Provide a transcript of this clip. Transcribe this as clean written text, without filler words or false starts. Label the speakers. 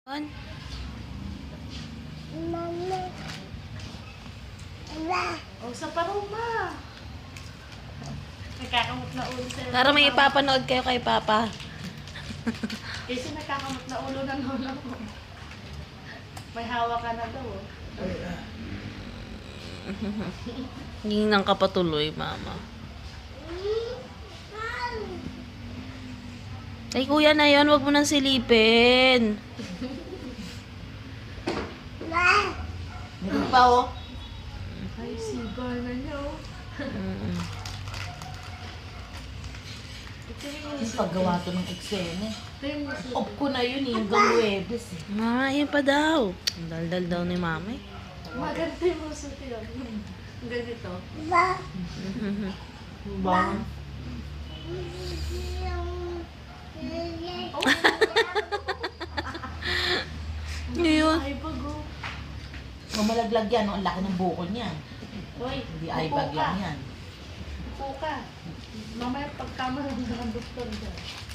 Speaker 1: On.
Speaker 2: Mama.
Speaker 3: O, sa paruma. Nagkakamot na ulo sa'yo.
Speaker 1: Para may ipapanood kayo kay Papa.
Speaker 3: Kasi nagkakamot na ulo ng lola mo. May hawak ka na daw. Oh.
Speaker 1: Hindi nang kapatuloy, Mama. Ay, kuya na yun. Huwag mo nang silipin.
Speaker 2: Meron pa oh.
Speaker 3: Ay, sibar na niya oh. Ito
Speaker 2: Yung paggawa to ng eksena.
Speaker 3: yung
Speaker 2: Off ko na yun eh, hanggang Huwebes eh.
Speaker 1: Mama, yun pa daw. Ang daldal daw ni Mama eh.
Speaker 3: maganda yung muso yun. Ang ganito.
Speaker 2: Ba?
Speaker 3: Oh,
Speaker 1: Yun.
Speaker 3: ay bago.
Speaker 2: Mamalaglag yan, oh. Ang laki ng bukol niyan.
Speaker 3: Hoy,
Speaker 2: Hindi ay bag lang yan.
Speaker 3: Upo ka. Mamaya pagkama ng doktor dyan.